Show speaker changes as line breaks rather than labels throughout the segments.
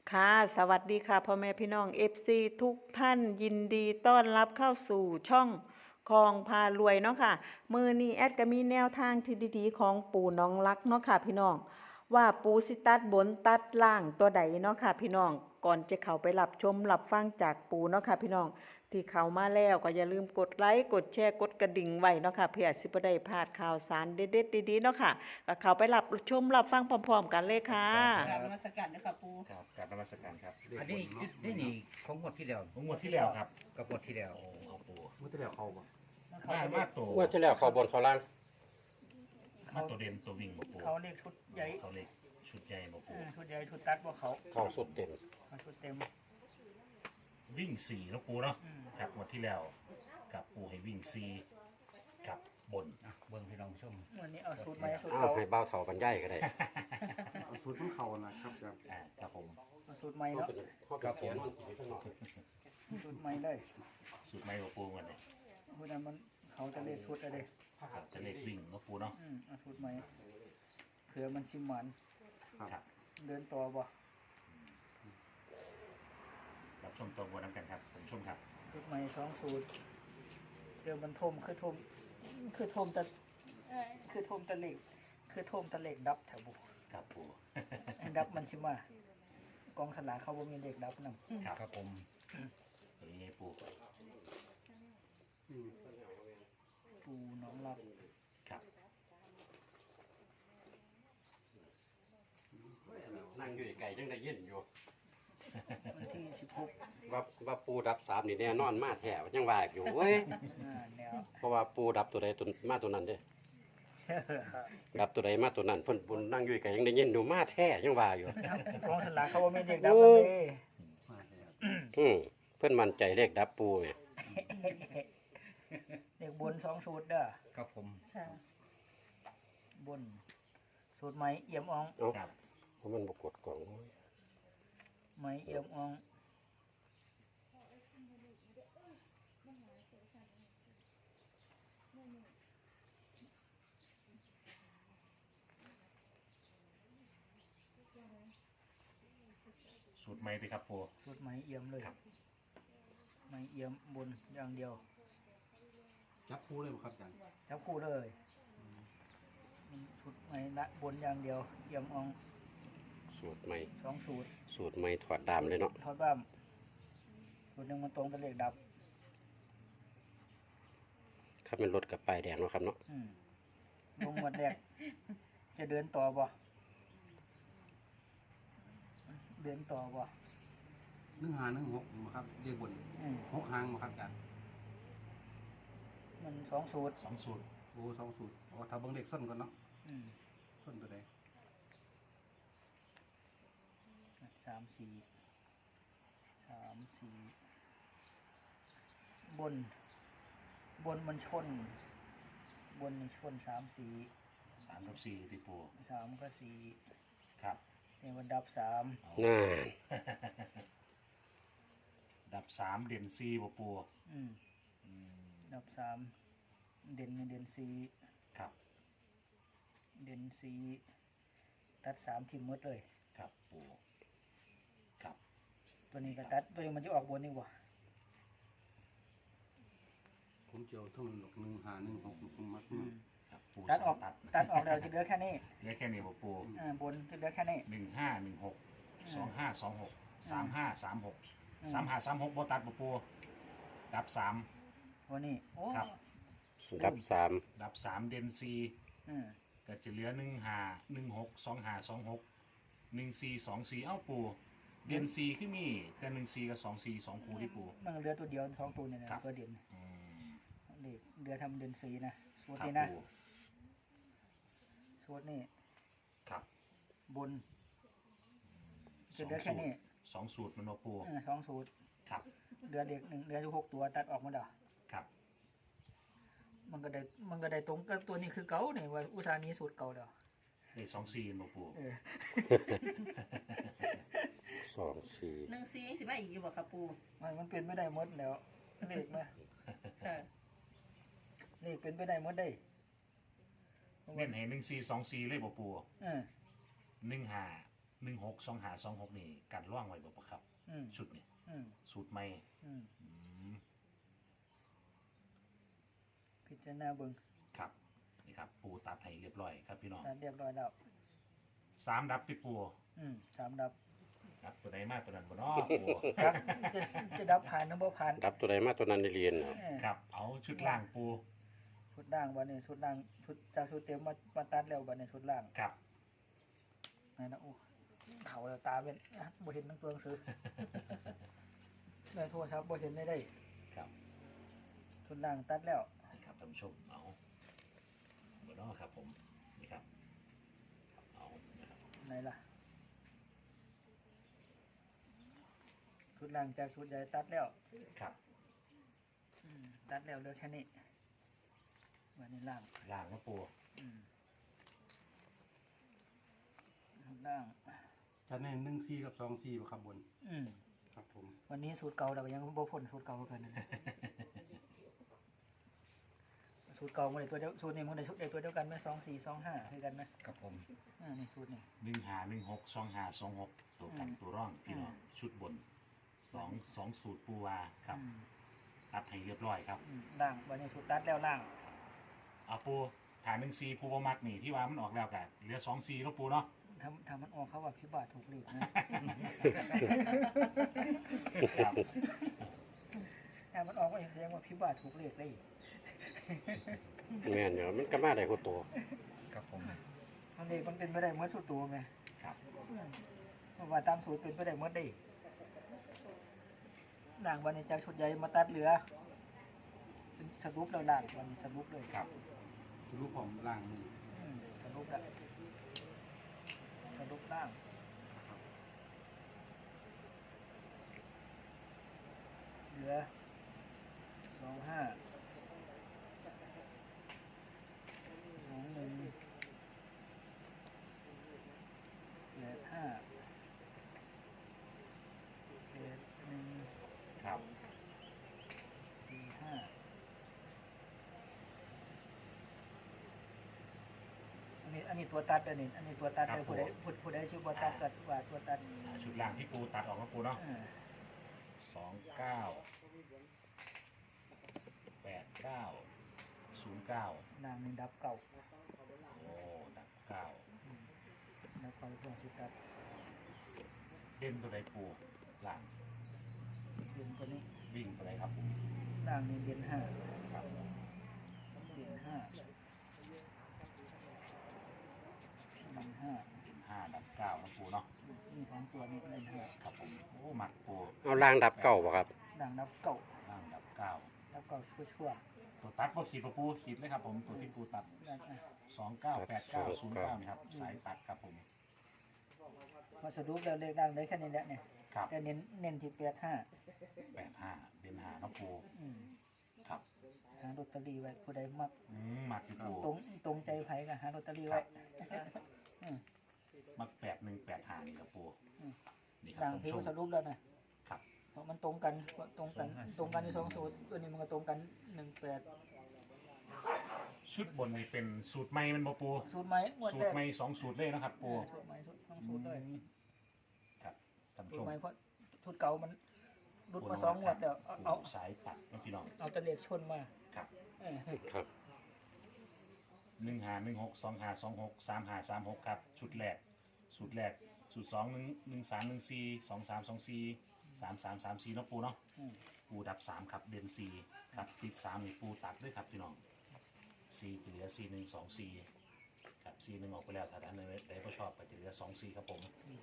ค่ะสวัสดีค่ะพ่อแม่พี่น้อง FC ทุกท่านยินดีต้อนรับเข้าสู่ช่องคลองพารวยเนาะค่ะมือนี้แอดก็มีแนวทางที่ดีๆของปู่น้องรักเนาะค่ะพี่น้องว่าปู่สิตัดบนตัดล่างตัวใดเนาะค่ะพี่น้องก่อนจะเข้าไปรับชมรับฟังจากปู่เนาะค่ะพี่น้องที่เข้ามาแล้วก็อย่าลืมกดไลค์กดแชร์กดกระดิ่งไว้เนาะค่ะเพื่อสิบ่ได้พลาดข่าวสารเด็ดๆดีๆเนาะค่ะก็เข้าไปรับชมรับฟังพร้อมๆกันเลยค่ะ
กราบนมัสการนะครับปู
ครับกราบนมัสการครับ
อันนี้นี่ของงวดที่แล้ว
งวดที่แล้วครับ
กับงวดที่แล้ว
โอ้เอาปู
มุ้งแต่เดียวเขาบ่
มาตัว
งวดที่แล้วเขาบนเขาล่าง
มาตัวเด่นตัววิ่งบ่ปู
เขาเรียกชุดใหญ่
เขาเล็กชุดใหญ่บ่ปู
ชุดใหญ่ชุดตัดว่าเขา
เขาสุดเต็ม
เขาชุดเต็ม
วิ่งสี่แล้วปูเนาะ
อืม
ครับงวดที่แล้วกับปูให้วิ่งสี่กับบน
อ่ะเบิ่งพี่น้องชม
วันนี้เอาสูตรใหม่สูตร
อ้าว
เก่า
ให้เบ้าเถากันย่ายก็ได้
เอาสูตรของเขานะครับครับ
ครับผม
เอาสูตรใหม่เนาะ
ครับผม
สูตรใหม่เลย
สูตรไม่บ่ปูวันนี้
เพราะนั้นมันเขาจะเรียกชุดอะไร
ครับจะเล็กวิ่งเนาะปูเนาะ
เอาสูตรใหม่เผื่อมันชิมหมัน
ครับ
เดินต่อบ่
รับชมตัวบัวน้ำกันครับผมชมครับ
สูตรใหม่สองสูตรเดี๋ยวมันทมคือทมคือทมตะคือทมตะเหล็กคือทมตะเหล็กดับแถวบุ
ครับปู
ดับมันชิมากองสลากเขาบ่มีเหล็กดับนำ
ครับ
ครับผม
ตัวนี้ไงปู
ปูน้องรับ
ครับ
นั่งอยู่ไกลยังได้ยินอยู่
วันที่16
ว่าปูดับสามนี่แน่นอนมาแถวยังว่าอยู่เว้ย
แนว
เพราะว่าปูดับตัวใดตัวมาตัวนั้นเด้ดับตัวใดมาตัวนั้นเพิ่นบุญนั่งอยู่ไกลยังได้ยินอยู่มาแท้ยังว่าอยู่
กองสลากเขาว่าไม่เด็กดับ
โอ้
เลย
เพิ่นมั่นใจเลขดับปูไง
เด็กบนสองสูตรเด้อ
ครับผม
บน สูตรไม้เอี่ยมอ่อง
เอ้า
ครับ
เพราะมันบ่กดกล่อง
ไม้เอี่ยมอ่อง
สูตรใหม่ติครับปู
สูตรไม้เอี่ยมเลย
ครับ
ไม้เอี่ยมบนอย่างเดียว
จับคู่เลยบ่ครับอาจารย์
จับคู่เลยสูตรไม้ละบนอย่างเดียวเอี่ยมอ่อง
สูตรใหม่
สองสูตร
สูตรใหม่ถอดดามเลยเนาะ
ทอดบ้ามสูตรหนึ่งมันตรงตะเลขดับ
ถ้าเป็นรถกับป้ายแดงเนาะครับเนาะ
ลงหมดแรกจะเดินต่อบ่เดินต่อบ่
1516บ่ครับเรียกบน
อืม
6หางบ่ครับอาจารย์
มันสองสูตร
สองสูตร
โอ้สองสูตรอ๋อถ้าเบิ่งเลขส้นก่อนเนาะ
อืม
ส้นตัวใด
สามสี่บน บนมันชน บนมันชนสามสี่
สามกับสี่ติปู
สามก็สี่
ครับ
เนี่ยมันดับสาม
น่า
ดับสามเด่นสี่บ่ปู
อืมดับสามเด่นเด่นสี่
ครับ
เด่นสี่ตัดสามทิมหมดเลย
ครับปูครับ
ตัวนี้ก็ตัดตัวนี้มันจะออกบนนี่วะ
ผมเจียวทั้งหลก1516ผมมัก
ครับปู
ตัดออก
ตัด
ตัดออกแล้วจะเหลือแค่นี้
เหลือแค่นี้บ่ปู
บนจะเหลือแค่นี้
1516 2526 3536 3536บ่ตัดบ่ปูดับสาม
วันนี้โอ้
ครับ
ดับสาม
ดับสามเด่นสี่
อืม
ก็จะเหลือ1516 2526 1424เอ้าปูเด่นสี่คือมีแต่14กับ24 2คู่ที่ปู
มันเหลือตัวเดียวสองตัวเนี่ยนะครับ ตัวเด่น
อืม
เด็กเหลือทำเด่นสี่นะสูตร
ครับ
นี้นะ
ปู
สูตรนี้
ครับ
บนจะเหลือแค่นี้
สองสูตรมันบ่ปู
สองสูตร
ครับ
เหลือเด็กหนึ่งเหลืออยู่6 ตัวตัดออกมาเด้อ
ครับ
มันก็ได้ตรงกับตัวนี้คือเก่าเนี่ยว่าอุตสาห์นี้สูตรเก่าเด้อ
ได้24บ่ปู
เออ
สองสี่
1 4สิมาอีกอยู่บ่ครับปู
มันเป็นไม่ได้หมดแล้วเลขนะ
ค่ะ
เลขเป็นไปได้หมดได้
เน้นให้1424เลยบ่ปู
เออ
15 162526นี่กันร่องไว้บ่ครับ
อืม
ชุดนี่
อืม
สูตรใหม่
อืม
อืม
พิจารณาเบิ่ง
ครับนี่ครับปูตัดให้เรียบร้อยครับพี่น้อง
ตัดเรียบร้อยแล้ว
3ดับที่ปู
3ดับ
ครับตัวใดมาตัวนั้นบ่เนาะปู
ครับจะดับผ่านหรือบ่ผ่าน
ดับตัวใดมาตัวนั้นได้เรียนครับ
เออ
ครับเอาชุดล่างปู
ชุดล่างวันนี้ชุดล่างชุดจากชุดเต็มมาตัดแล้ววันนี้ชุดล่าง
ครับ
นั่นนะโอ้เขาแล้วตาเป็นบ่เห็นทั้งตัวหนังสือ ในโทรศัพท์บ่เห็นได้
ครับ
ชุดล่างตัดแล้ว
นี่ครับท่านผู้ชมเอาบ่เนาะครับผมนี่ครับเอานะครับ
ไหนล่ะชุดล่างจากชุดใหญ่ตัดแล้ว
ครับ
ตัดแล้วเหลือแค่นี้วันนี้ล่าง
ล่างนะปู
ล่าง
จะแน่14กับ24บ่ครับบน ครับผม
วันนี้สูตรเก่าเราก็ยังบ่พ้นสูตรเก่าเกินนะ สูตรเก่ามันได้ตัวเดียวสูตรนี้มันได้ชุดเดียวตัวเดียวกันไหม2425คือกันไหม
ครับผม
นี่สูตรนี้
15162526ตัวกันตัวร่องพี่น้องชุดบนสองสูตรปูวาครับตัดให้เรียบร้อยครับ
ล่างวันนี้สูตรตัดแล้วล่าง
เอาปูฐาน1 4ปูบ่มักนี่ที่ว่ามันออกแล้วกันเหลือ2 4แล้วปูเนาะ
ทำมันออกเขาว่าพิบาทถูกเลขนะ
ครับ
ถ้ามันออกว่าแสดงว่าพิบาทถูกเลขได้
แม่นอยู่มันก็มาได้คนตัว
ครับผม
มันเลขมันเป็นไปได้เหมือนสูตรตัวไง
ครับ
เพราะว่าตามสูตรเป็นไปได้เหมือนได้ล่างวันนี้จากชุดใหญ่มาตัดเหลือเป็นสรุปแล้วล่างวันนี้สรุปเลย
ครับ
สรุปผมล่างมือ
สรุปแล้วสรุปล่างเหลือ25 21
ครับ
อันนี้ตัวตัดอันนี้ตัวตัดเลยผู้ใดชื่อว่าตัดก็ว่าตัวตัด
ชุดล่างที่ปูตัดออกแล้วปูเนาะ29 89 09
นางหนึ่งดับเก่า
โอ้ดับ9
ดับเก่าตัวชื่อตัด
เด่นตัวใดปูล่าง
เด่นตัวนี้
วิ่งตัวใดครับผม
นางหนึ่งเด่น5
ครับ
เด่น5
เด่น5ดับ9นะปูเนาะ
มี2ตัวนี้เด่น
ครับผมโอ้มักปู
เอาล่างดับเก่าบ่ครับ
5นางดับเก่า
ล่างดับ
ดับเก่าชั่ว
9ตัวตัดบ่ขีดบ่ปูขีดเลยครับผมตัวที่ปูตัด
ๆนั่นอ่ะ
298909นี่ครับสายตัดครับผม
มาสรุปแล้วเลขดังได้แค่นี้แหละเนี่ย
ครับ
แต่เน้นที่85
85เด่น5นะปู
อืม
ครับ
หาลอตเตอรี่ไว้ผู้ใดมัก
มักที่ปู
ตรงใจไผก็หาลอตเตอรี่ไว้
มัก8185นี่ครับปู
อืม
นี่ครับ
ดัง
ท่าน
ที่
ผู้ช
ส
ม
รุปแล้วนะครับ เพราะมันตรงกันในสองสูตรตัวนี้มันก็ตรงกัน18
ชุดบนนี่เป็นสูตรใหม่มันบ่ปู
สูตรใหม่งวด
สู
แร
ตร
ก
ใหม่2สูตรเลยนะครับปู
สูตรใหม่ทั้งสูตรเลย
ครับท่านผู้
สู
ช
ตร
ม
ใหม่เพราะสูตรเก่ามันรุดมา2งวดแล้วเอา
สายตัดนะพี่น้อง
เอาแตะเลขชนมา
ครับ
เออ
ครับ
1516 2526 3536ครับชุดแรกสูตรแรกสูตร2 1314 2324 3334เนาะปูเนาะ
อืม
ปูดับ3ครับเด่น4ครับติด3นี่ปูตัดด้วยครับพี่น้อง4เหลือ4 1 2 4ครับ4 1ออกไปแล้วถ้าท่านใดบ่ชอบก็จะเหลือ2 4ครับผม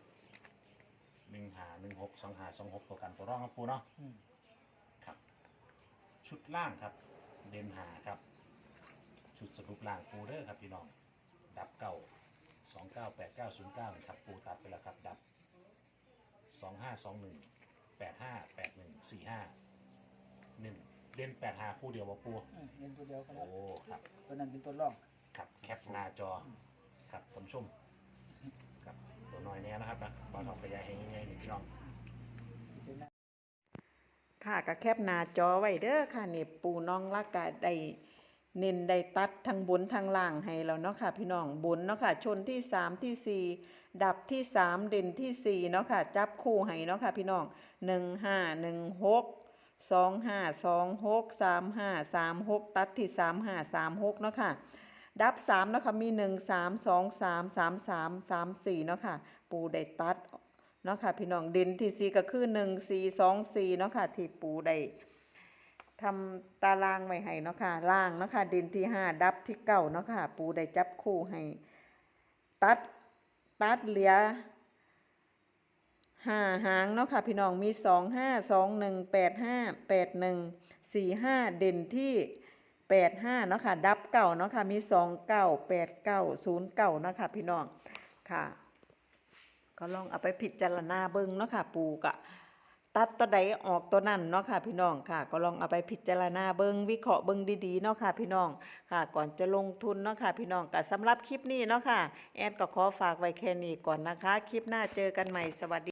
1516 2526ตัวกันตัวรองครับปูเนาะ
อืม
ครับชุดล่างครับเด่น5ครับชุดสรุปล่างปูเด้อครับพี่น้องดับ298909ครับปูตัดไปแล้วครับดับ2521 8581 45 1เล่น85คู่เดียวบ่ปู
เรียนตัวเดียวกันแล้
โอ้
ว
ครับ
ตัวนั้นเป็นตัวรอง
ครับแคปหน้าจอครับท่านผู้ชมครับตัวน้อยแน่นะครับนะบอลทองกระยายให้ง่ายๆนี่พี่น้อง
พิจารณา
ค่ะก็แคปหน้าจอไว้เด้อค่ะนี่ปูน้องรักก็ได้เน้นได้ตัดทั้งบนทั้งล่างให้แล้วเนาะค่ะพี่น้องบนเนาะค่ะชนที่3ที่4ดับที่3เด่นที่4เนาะค่ะจับคู่ให้เนาะค่ะพี่น้อง1516 2526 3536ตัดที่3536เนาะค่ะดับ3เนาะค่ะมี13233334เนาะค่ะปูได้ตัดเนาะค่ะพี่น้องเด่นที่4ก็คือ1424เนาะค่ะที่ปูได้ทำตารางไว้ให้เนาะค่ะล่างเนาะค่ะเด่นที่5ดับที่9เนาะค่ะปูได้จับคู่ให้ตัดเหลือ5หางเนาะค่ะพี่น้องมี2521858145เด่นที่85เนาะค่ะดับเก่าเนาะค่ะมี298909เนาะค่ะพี่น้องค่ะก็ลองเอาไปพิจารณาเบิ่งเนาะค่ะปูกะตัดตัวใดออกตัวนั้นเนาะค่ะพี่น้องค่ะก็ลองเอาไปพิจารณาเบิ่งวิเคราะห์เบิ่งดีๆเนาะค่ะพี่น้องค่ะก่อนจะลงทุนเนาะค่ะพี่น้องก็สำหรับคลิปนี้เนาะค่ะแอดก็ขอฝากไว้แค่นี้ก่อนนะคะคลิปหน้าเจอกันใหม่สวัสดี